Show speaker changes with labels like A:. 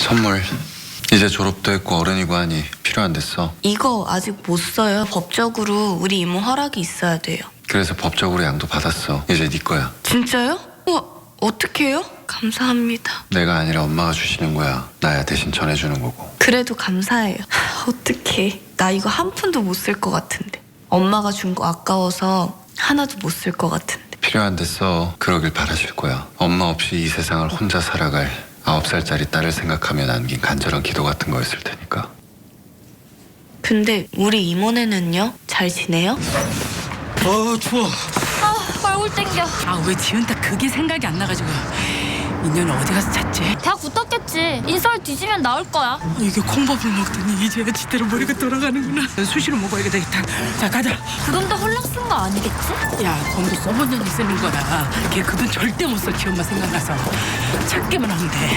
A: 선물. 이제 졸업도 했고 어른이고 하니 필요한댔어.
B: 이거 아직 못 써요. 법적으로 우리 이모 허락이 있어야 돼요.
A: 그래서 법적으로 양도 받았어. 이제 네 거야.
B: 진짜요? 우와, 어떻게 해요? 감사합니다.
A: 내가 아니라 엄마가 주시는 거야. 나야 대신 전해주는 거고.
B: 그래도 감사해요. 어떡해. 나 이거 한 푼도 못 쓸 것 같은데. 엄마가 준 거 아까워서 하나도 못 쓸 것 같은데.
A: 필요한댔어. 그러길 바라실 거야. 엄마 없이 이 세상을 혼자 살아갈 9살짜리 딸을 생각하며 남긴 간절한 기도 같은 거였을 테니까.
B: 근데 우리 이모네는요? 잘 지내요?
C: 추워.
D: 꼴 땡겨.
E: 아, 왜 지은 딱 그게 생각이 안 나가지고. 인연 어디 가서 잤지?
D: 대학 붙었겠지. 인서울 뒤지면 나올 거야.
E: 이게 콩밥을 먹더니 이제야 지대로 머리가 돌아가는구나. 수시로 먹어야 되겠다. 자, 가자.
D: 그 돈 도 홀랑 쓴 거 아니겠지?
E: 야, 돈도 써본 년이 쓰는 거라. 걔 그 돈 절대 못 써. 지 엄마 생각나서. 찾기만 하면 돼.